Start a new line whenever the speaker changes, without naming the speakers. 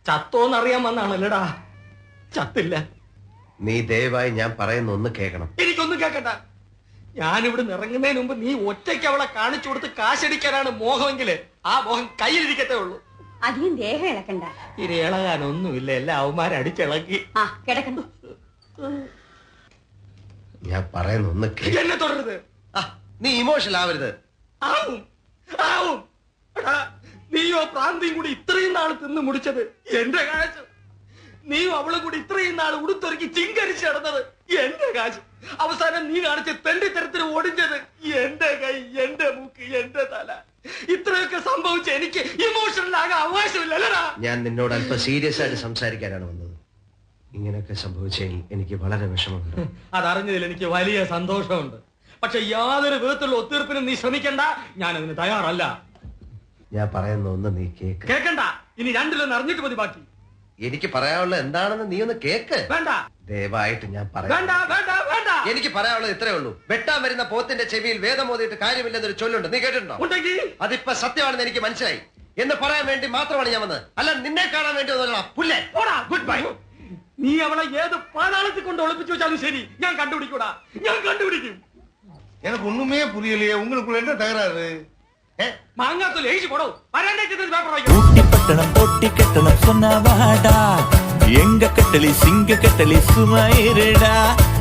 ചത്തോന്നറിയാൻ വന്നാണല്ലടാ. ചത്തില്ല.
നീ ദയവായി ഞാൻ പറയുന്ന ഒന്ന് കേൾക്കണം.
എനിക്കൊന്നും കേക്കണ്ട. ഞാനിവിടെ ഇറങ്ങുന്നതിന് മുമ്പ് നീ ഒറ്റയ്ക്ക് അവളെ കാണിച്ചു കൊടുത്ത് കാശടിക്കാനാണ് മോഹമെങ്കില് ആ മോഹം കയ്യിലിരിക്കത്തേ ഉള്ളൂ.
അധികം ദേഹം ഇളക്കണ്ട.
ഇത് ഇളകാനൊന്നുമില്ല, എല്ലാ അവന്മാരടിച്ചിളക്കി.
ആ കിടക്കണ്ട.
ഞാൻ പറയുന്ന ഒന്ന്
എന്നെ തുടരുത്.
നീ ഇമോഷണൽ ആവരുത്.
ആവും ആവും. നീയോ പ്രാന്തിയും കൂടി ഇത്രയും നാൾ തിന്നു മുടിച്ചത് എന്റെ കാശ്. നീയും അവളും കൂടി ഇത്രയും നാൾ ഉടുത്തൊരുക്കി ചിങ്കരിച്ച് നടന്നത് എന്റെ കാശ്. അവസാനം നീ കാണിച്ച് തെണ്ടിത്തരത്തിന് ഓടിഞ്ഞത് എന്റെ കൈ, എന്റെ മൂക്ക്, എന്റെ തല. ഇത്രയൊക്കെ സംഭവിച്ച എനിക്ക് ഇമോഷണൽ ആകാൻ അവകാശമില്ലല്ലടാ.
ഞാൻ നിന്നോട് അല്പം സീരിയസ് ആയിട്ട് സംസാരിക്കാനാണ് വന്നത്. ഇങ്ങനെയൊക്കെ സംഭവിച്ചതിൽ എനിക്ക് വളരെ വിഷമമുണ്ട്.
അതറിഞ്ഞതിൽ എനിക്ക് വലിയ സന്തോഷമുണ്ട്. പക്ഷെ യാതൊരു വിധത്തിലുള്ള ഒത്തീർപ്പിനും നീ ശ്രമിക്കണ്ട. ഞാൻ അതിന് തയ്യാറല്ല.
ഞാൻ പറയുന്ന ഒന്ന് നീ കേക്ക്.
കേക്കണ്ട. ഇനി രണ്ടിലൊന്ന് അറിഞ്ഞിട്ട് മതി ബാക്കി.
എനിക്ക് പറയാനുള്ളത് എന്താണെന്ന് നീ ഒന്ന് കേക്ക്.
വേണ്ട.
ദയവായിട്ട് ഞാൻ
വേണ്ട വേണ്ട വേണ്ട.
എനിക്ക് പറയാനുള്ളത് ഇത്രേ ഉള്ളൂ. വെട്ടാൻ വരുന്ന പോത്തിന്റെ ചെവിയിൽ വേദം ഓതിയിട്ട് കാര്യമില്ലെന്നൊരു ചൊല്ലുണ്ട്. നീ കേട്ടിട്ടുണ്ടോ? അതിപ്പോ സത്യമാണെന്ന് എനിക്ക് മനസ്സിലായി. എന്ന് പറയാൻ വേണ്ടി മാത്രമാണ് ഞാൻ വന്നത്. അല്ല നിന്നെ കാണാൻ വേണ്ടി പുല്ലേ. Good bye.
നീ അവളെ ഏത് പാതാളത്തിൽ കൊണ്ട് ഒളിപ്പിച്ചു വെച്ചാലും ശരി, ഞാൻ കണ്ടുപിടിക്കൂടാ. ഞാൻ കണ്ടുപിടിക്കും.
எனக்கு ஒண்ணுமே புரியலையே. உங்களுக்குள்ள என்ன தகராறு?
மாங்காத்தூள் எழுதி போடும்.
ஊட்டி பட்டணம் பொட்டி கட்டணம் சொன்ன வாடா, எங்க கட்டளை சிங்க கட்டளை சுமாயிருடா.